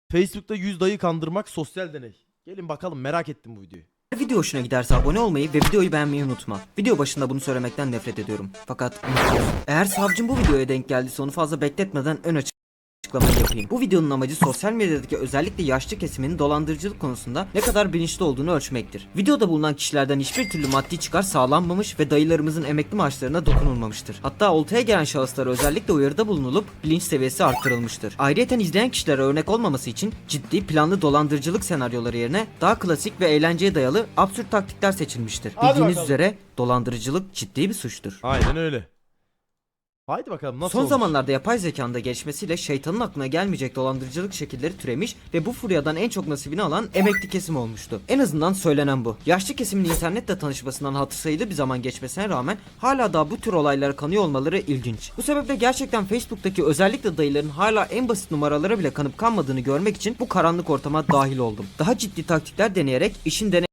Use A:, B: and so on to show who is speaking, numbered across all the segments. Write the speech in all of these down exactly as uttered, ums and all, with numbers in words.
A: Facebook'ta yüz dayı kandırmak sosyal deney. Gelin bakalım, merak ettim bu videoyu.
B: Video hoşuna giderse abone olmayı ve videoyu beğenmeyi unutma. Video başında bunu söylemekten nefret ediyorum. Fakat eğer savcım bu videoya denk geldiyse onu fazla bekletmeden ön açıklamayı yapayım. Bu videonun amacı sosyal medyadaki özellikle yaşlı kesiminin dolandırıcılık konusunda ne kadar bilinçli olduğunu ölçmektir. Videoda bulunan kişilerden hiçbir türlü maddi çıkar sağlanmamış ve dayılarımızın emekli maaşlarına dokunulmamıştır. Hatta oltaya gelen şahıslara özellikle uyarıda bulunulup bilinç seviyesi arttırılmıştır. Ayrıca izleyen kişilere örnek olmaması için ciddi planlı dolandırıcılık senaryoları yerine daha klasik ve eğlenceye dayalı absürt taktikler seçilmiştir.
A: Hadi
B: Bildiğiniz
A: bakalım.
B: üzere dolandırıcılık ciddi bir suçtur.
A: Aynen öyle. Haydi bakalım nasıl
B: Son
A: olmuş?
B: zamanlarda yapay zekanın da gelişmesiyle şeytanın aklına gelmeyecek dolandırıcılık şekilleri türemiş ve bu furyadan en çok nasibini alan emekli kesim olmuştu. En azından söylenen bu. Yaşlı kesimin internetle tanışmasından hatır sayılı bir zaman geçmesine rağmen hala daha bu tür olaylara kanıyor olmaları ilginç. Bu sebeple gerçekten Facebook'taki özellikle dayıların hala en basit numaralara bile kanıp kanmadığını görmek için bu karanlık ortama dahil oldum. Daha ciddi taktikler deneyerek işin deney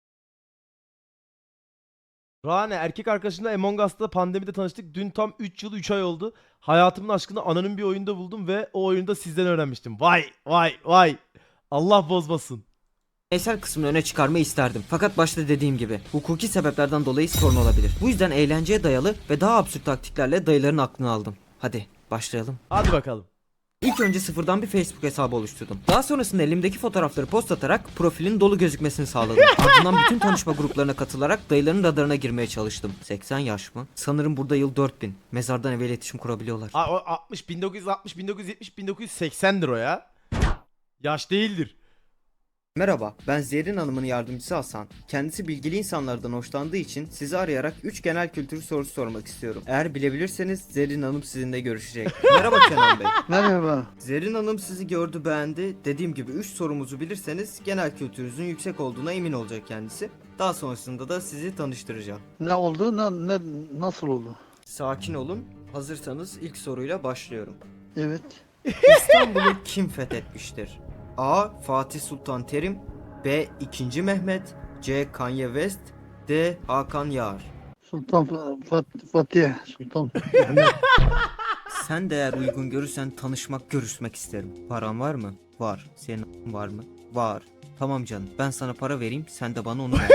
A: Rane, erkek arkadaşımla Among Us'ta pandemide tanıştık. Dün tam üç yıl üç ay oldu. Hayatımın aşkını anonim bir oyunda buldum ve o oyunda sizden öğrenmiştim. Vay vay vay. Allah bozmasın.
B: Deneysel kısmını öne çıkarmayı isterdim. Fakat başta dediğim gibi hukuki sebeplerden dolayı sorun olabilir. Bu yüzden eğlenceye dayalı ve daha absürt taktiklerle dayıların aklını aldım. Hadi başlayalım.
A: Hadi bakalım.
B: İlk önce sıfırdan bir Facebook hesabı oluşturdum. Daha sonrasında elimdeki fotoğrafları post atarak profilin dolu gözükmesini sağladım. Ardından bütün tanışma gruplarına katılarak dayıların radarına girmeye çalıştım. seksen yaş mı? Sanırım burada yıl dört bin. Mezardan eve iletişim kurabiliyorlar.
A: A- o altmış, bin dokuz yüz altmış, bin dokuz yüz yetmiş, bin dokuz yüz seksendir o ya. Yaş değildir.
B: Merhaba, ben Zerrin Hanım'ın yardımcısı Hasan. Kendisi bilgili insanlardan hoşlandığı için sizi arayarak üç genel kültür sorusu sormak istiyorum. Eğer bilebilirseniz Zerrin Hanım sizinle görüşecek. Merhaba Kenan Bey.
C: Merhaba.
B: Zerrin Hanım sizi gördü, beğendi. Dediğim gibi üç sorumuzu bilirseniz genel kültürünüzün yüksek olduğuna emin olacak kendisi. Daha sonrasında da sizi tanıştıracağım.
C: Ne oldu? Ne, ne nasıl oldu?
B: Sakin olun. Hazırsanız ilk soruyla başlıyorum.
C: Evet.
B: İstanbul'u kim fethetmiştir? A. Fatih Sultan Terim, B. ikinci. Mehmet, C. Kanye West, D. Hakan Yağar.
C: Sultan Fa- Fat- Fatih Sultan Mehmet.
B: Sen de eğer uygun görürsen tanışmak, görüşmek isterim. Paran var mı? Var. Senin var mı? Var. Tamam canım. Ben sana para vereyim, sen de bana onu ver.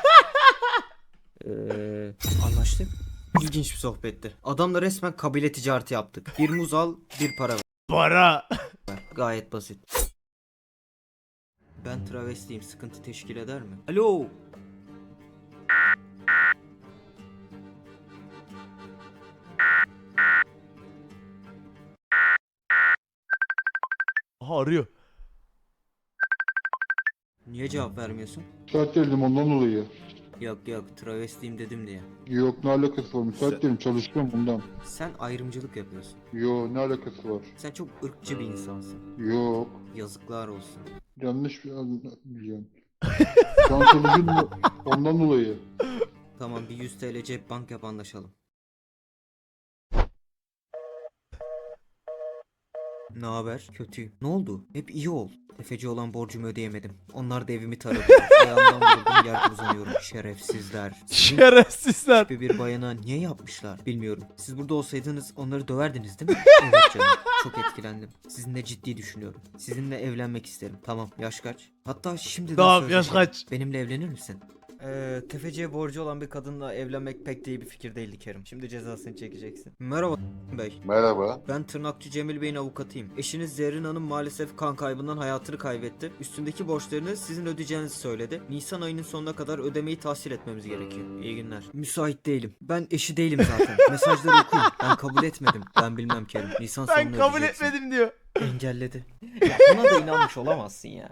B: Eee, anlaştık. İlginç bir sohbetti. Adamla resmen kabile ticareti yaptık. Bir muz al, bir para ver.
A: Para.
B: Gayet basit. Ben travestiyim, sıkıntı teşkil eder mi? Alo.
A: Aha, arıyor.
B: Niye cevap vermiyorsun?
D: Müsait değildim ondan dolayı.
B: Yok yok, travestiyim dedim diye.
D: Yok ne alakası var, müsait değilim, çalışıyorum bundan.
B: Sen ayrımcılık yapıyorsun.
D: Yo ne alakası var?
B: Sen çok ırkçı bir insansın.
D: Yok.
B: Yazıklar olsun.
D: Yanlış bir biliyorum. Şu an çalışıyorum ondan dolayı.
B: Tamam, bir yüz TL cep bank yap, anlaşalım. Ne haber? Kötüyüm. Ne oldu? Hep iyi ol. Tefeci olan borcumu ödeyemedim. Onlar da evimi taradı. Ayağımdan vurdum, yerde uzanıyorum. Şerefsizler. Sizin
A: Şerefsizler.
B: gibi bir bayana niye yapmışlar bilmiyorum. Siz burada olsaydınız onları döverdiniz değil mi? Evet canım. Çok etkilendim. Sizinle ciddi düşünüyorum. Sizinle evlenmek isterim. Tamam, yaş kaç? Hatta şimdi
A: Tamam, yaş kaç?
B: Benimle evlenir misin? Eee tefeciye borcu olan bir kadınla evlenmek pek de iyi bir fikir değildi Kerim. Şimdi cezasını çekeceksin. Merhaba Bey.
D: Merhaba.
B: Ben tırnakçı Cemil Bey'in avukatıyım. Eşiniz Zerrin Hanım maalesef kan kaybından hayatını kaybetti. Üstündeki borçlarını sizin ödeyeceğinizi söyledi. Nisan ayının sonuna kadar ödemeyi tahsil etmemiz gerekiyor. İyi günler. Müsait değilim. Ben eşi değilim zaten. Mesajları okuyun. Ben kabul etmedim. Ben bilmem Kerim. Nisan
A: Ben
B: sonunu
A: kabul
B: ödeyeceksin.
A: etmedim diyor.
B: Engelledi. Ya buna da inanmış olamazsın ya.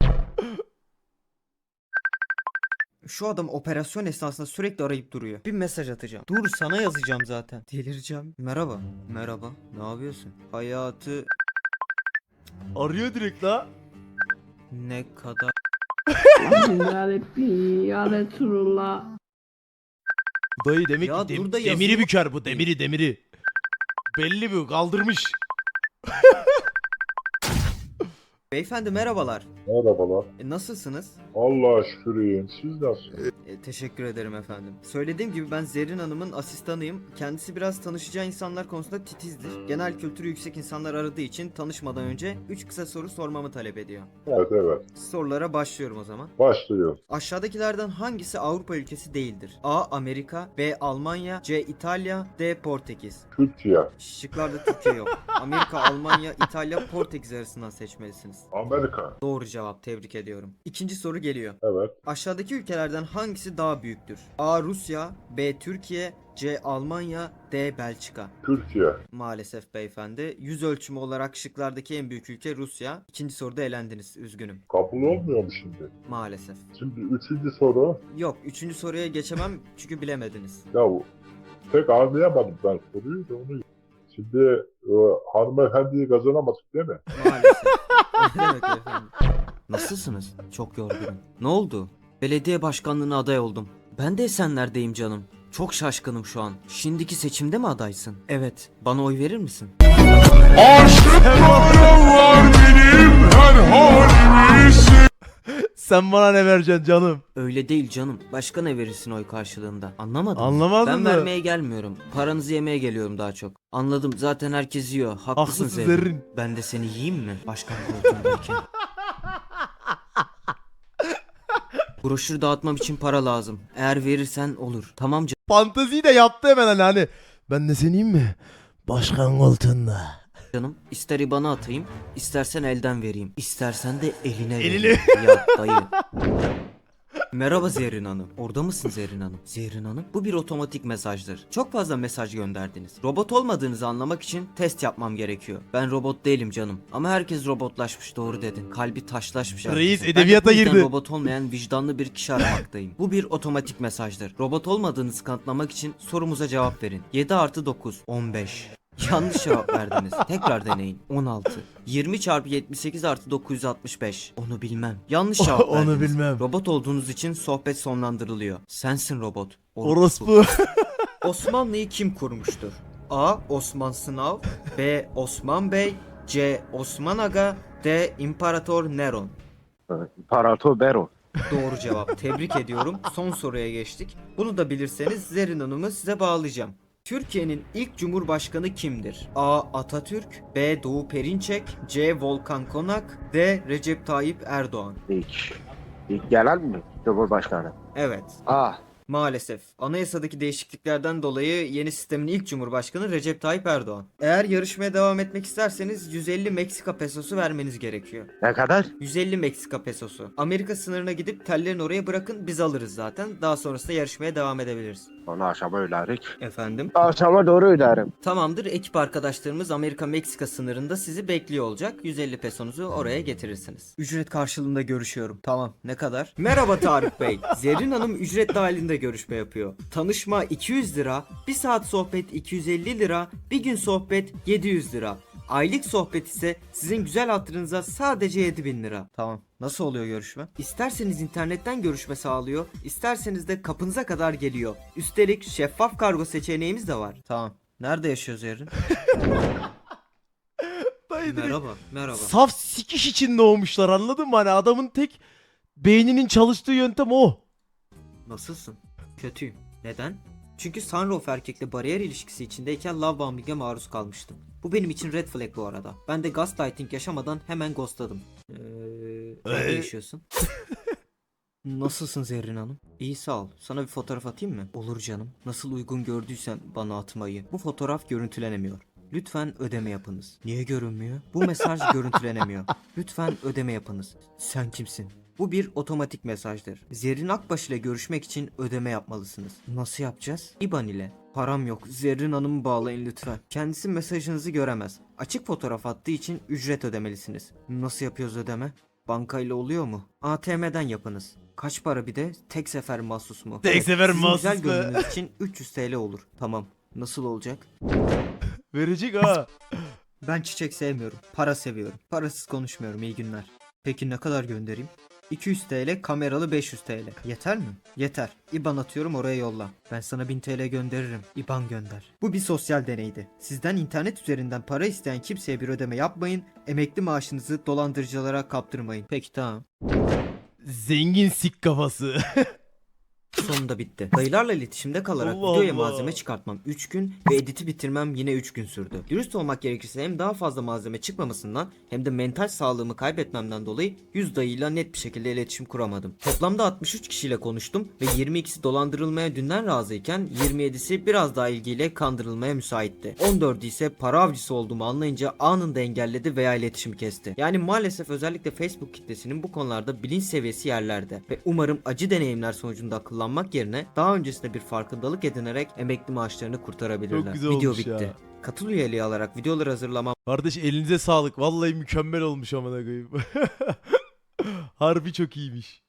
B: Şu adam operasyon esnasında sürekli arayıp duruyor. Bir mesaj atacağım. Dur, sana yazacağım zaten. Delireceğim. Merhaba. Merhaba. Ne yapıyorsun? Hayatı
A: Arıyor direkt la.
B: ne kadar...
E: Ya Rabbi, ya Resulullah.
A: Dayı demek
B: Ya
A: ki dem-
B: dur da
A: demiri
B: yazıyor.
A: büker bu, demiri demiri. Belli bu, kaldırmış.
B: Beyefendi merhabalar.
F: Merhabalar.
B: E, nasılsınız?
F: Allah'a şükür iyiyim. Siz nasılsınız?
B: E, Teşekkür ederim efendim. Söylediğim gibi ben Zerrin Hanım'ın asistanıyım. Kendisi biraz tanışacağı insanlar konusunda titizdir. Genel kültürü yüksek insanlar aradığı için tanışmadan önce üç kısa soru sormamı talep ediyor.
D: Evet evet.
B: Sorulara başlıyorum o zaman.
D: Başlıyor.
B: Aşağıdakilerden hangisi Avrupa ülkesi değildir? A. Amerika, B. Almanya, C. İtalya, D. Portekiz.
D: Türkiye.
B: Şıklarda Türkiye yok. Amerika, Almanya, İtalya, Portekiz arasından seçmelisiniz.
D: Amerika.
B: Doğru cevap, tebrik ediyorum. İkinci soru geliyor.
D: Evet.
B: Aşağıdaki ülkelerden hangisi daha büyüktür? A. Rusya, B. Türkiye, C. Almanya, D. Belçika.
D: Türkiye.
B: Maalesef beyefendi. Yüz ölçümü olarak şıklardaki en büyük ülke Rusya. İkinci soruda elendiniz. Üzgünüm.
D: Kabul olmuyor mu şimdi?
B: Maalesef.
D: Şimdi üçüncü soru.
B: Yok. Üçüncü soruya geçemem çünkü bilemediniz.
D: Ya pek anlayamadım ben soruyu da onu. Şimdi e, hanımefendiyi kazanamadık değil mi?
B: Maalesef. Ne demek efendim? Nasılsınız? Çok yorgunum. Ne oldu? Belediye başkanlığına aday oldum. Ben de Esenler'deyim canım. Çok şaşkınım şu an. Şimdiki seçimde mi adaysın? Evet. Bana oy verir misin?
A: Sen bana ne vereceksin canım?
B: Öyle değil canım. Başka ne verirsin oy karşılığında? Anlamadım.
A: Anlamadım
B: Ben
A: da.
B: vermeye gelmiyorum. Paranızı yemeye geliyorum daha çok. Anladım. Zaten herkes yiyor. Haklısın
A: Haklısın
B: Zerrin.
A: Zerrin.
B: Ben de seni yiyeyim mi? Başkan koltuğundayken. Broşür dağıtmam için para lazım. Eğer verirsen olur. Tamam canım.
A: Fanteziyi de yaptı hemen hani, hani. Ben de seneyim mi? Başkan koltuğunda.
B: Canım, ister IBAN'a atayım, istersen elden vereyim, istersen de eline
A: Eline.
B: vereyim. Ya dayı. Merhaba Zerrin Hanım. Orada mısın Zerrin Hanım? Zerrin Hanım, bu bir otomatik mesajdır. Çok fazla mesaj gönderdiniz. Robot olmadığınızı anlamak için test yapmam gerekiyor. Ben robot değilim canım. Ama herkes robotlaşmış, doğru dedin. Kalbi taşlaşmış.
A: Reis
B: herkesin.
A: edebiyata
B: Ben de bu yüzden
A: girdi.
B: robot olmayan vicdanlı bir kişi aramaktayım. Bu bir otomatik mesajdır. Robot olmadığınızı kanıtlamak için sorumuza cevap verin. yedi artı dokuz. on beş. Yanlış cevap verdiniz. Tekrar deneyin. on altı. yirmi çarpı yetmiş sekiz artı dokuz yüz altmış beş. Onu bilmem. Yanlış cevap
A: Onu
B: verdiniz.
A: bilmem.
B: Robot olduğunuz için sohbet sonlandırılıyor. Sensin robot.
A: Orospu.
B: Osmanlı'yı kim kurmuştur? A. Osman Sınav, B. Osman Bey, C. Osman Aga, D. İmparator Neron.
F: İmparator Nero.
B: Doğru cevap. Tebrik ediyorum. Son soruya geçtik. Bunu da bilirseniz Zerrin Hanım'ı size bağlayacağım. Türkiye'nin ilk cumhurbaşkanı kimdir? A. Atatürk, B. Doğu Perinçek, C. Volkan Konak, D. Recep Tayyip Erdoğan.
F: İlk. İlk gelen mi? Cumhurbaşkanı.
B: Evet.
F: A.
B: Maalesef. Anayasadaki değişikliklerden dolayı yeni sistemin ilk cumhurbaşkanı Recep Tayyip Erdoğan. Eğer yarışmaya devam etmek isterseniz yüz elli Meksika pesosu vermeniz gerekiyor.
F: Ne kadar?
B: yüz elli Meksika pesosu. Amerika sınırına gidip tellerini oraya bırakın, biz alırız zaten. Daha sonrasında yarışmaya devam edebiliriz.
F: Onu akşama öderik.
B: Efendim?
F: Akşama doğru öderim.
B: Tamamdır. Ekip arkadaşlarımız Amerika-Meksika sınırında sizi bekliyor olacak. yüz elli pesonuzu oraya getirirsiniz. Ücret karşılığında görüşüyorum. Tamam. Ne kadar? Merhaba Tarık Bey. Zerrin Hanım ücret dahilinde görüşme yapıyor. Tanışma iki yüz lira, bir saat sohbet iki yüz elli lira, bir gün sohbet yedi yüz lira. Aylık sohbet ise sizin güzel hatırınıza sadece yedi bin lira. Tamam. Nasıl oluyor görüşme? İsterseniz internetten görüşme sağlıyor, isterseniz de kapınıza kadar geliyor. Üstelik şeffaf kargo seçeneğimiz de var. Tamam. Nerede yaşıyoruz Zerrin?
A: Dayı direkt
B: Merhaba, merhaba.
A: saf sikiş için doğmuşlar, anladın mı? Hani adamın tek beyninin çalıştığı yöntem o.
B: Nasılsın? Kötüyüm. Neden? Çünkü Sunroof erkekle bariyer ilişkisi içindeyken love bombing'e maruz kalmıştım. Bu benim için red flag bu arada. Ben de gaslighting yaşamadan hemen ghostladım. Eee... Nerede
A: Ee?
B: yaşıyorsun? Nasılsın Zerrin Hanım? İyi sağ ol. Sana bir fotoğraf atayım mı? Olur canım. Nasıl uygun gördüysen bana atmayı. Bu fotoğraf görüntülenemiyor. Lütfen ödeme yapınız. Niye görünmüyor? Bu mesaj görüntülenemiyor. Lütfen ödeme yapınız. Sen kimsin? Bu bir otomatik mesajdır. Zerrin Akbaş ile görüşmek için ödeme yapmalısınız. Nasıl yapacağız? IBAN ile. Param yok. Zerrin Hanım'ı bağlayın lütfen. Kendisi mesajınızı göremez. Açık fotoğraf attığı için ücret ödemelisiniz. Nasıl yapıyoruz ödeme? Bankayla oluyor mu? A T M'den yapınız. Kaç para bir de? Tek sefer mahsus mu?
A: Tek sefer
B: Sizin
A: mahsus
B: güzel
A: mu?
B: gönlünüz için üç yüz TL olur. Tamam. Nasıl olacak?
A: Verecek ha.
B: Ben çiçek sevmiyorum. Para seviyorum. Parasız konuşmuyorum. İyi günler. Peki ne kadar göndereyim? iki yüz TL, kameralı beş yüz TL. Yeter mi? Yeter. IBAN atıyorum, oraya yolla. Ben sana bin TL gönderirim. IBAN gönder. Bu bir sosyal deneydi. Sizden internet üzerinden para isteyen kimseye bir ödeme yapmayın. Emekli maaşınızı dolandırıcılara kaptırmayın. Peki tamam.
A: Zengin sik kafası.
B: Sonunda bitti. Dayılarla iletişimde kalarak
A: Allah
B: videoya
A: Allah.
B: malzeme çıkartmam üç gün ve editi bitirmem yine üç gün sürdü. Dürüst olmak gerekirse hem daha fazla malzeme çıkmamasından hem de mental sağlığımı kaybetmemden dolayı yüz dayıyla net bir şekilde iletişim kuramadım. Toplamda altmış üç kişiyle konuştum ve yirmi ikisi dolandırılmaya dünden razıyken yirmi yedisi biraz daha ilgiyle kandırılmaya müsaitti. on dördü ise para avcısı olduğumu anlayınca anında engelledi veya iletişimi kesti. Yani maalesef özellikle Facebook kitlesinin bu konularda bilinç seviyesi yerlerde ve umarım acı deneyimler sonucunda akıllanmak yerine daha öncesinde bir farkındalık edinerek emekli maaşlarını kurtarabilirler.
A: Çok güzel
B: Video
A: olmuş
B: bitti.
A: ya.
B: Katıl üyeliği alarak videolar hazırlamam
A: Kardeş elinize sağlık. Vallahi mükemmel olmuş amına koyayım. Harbi çok iyiymiş.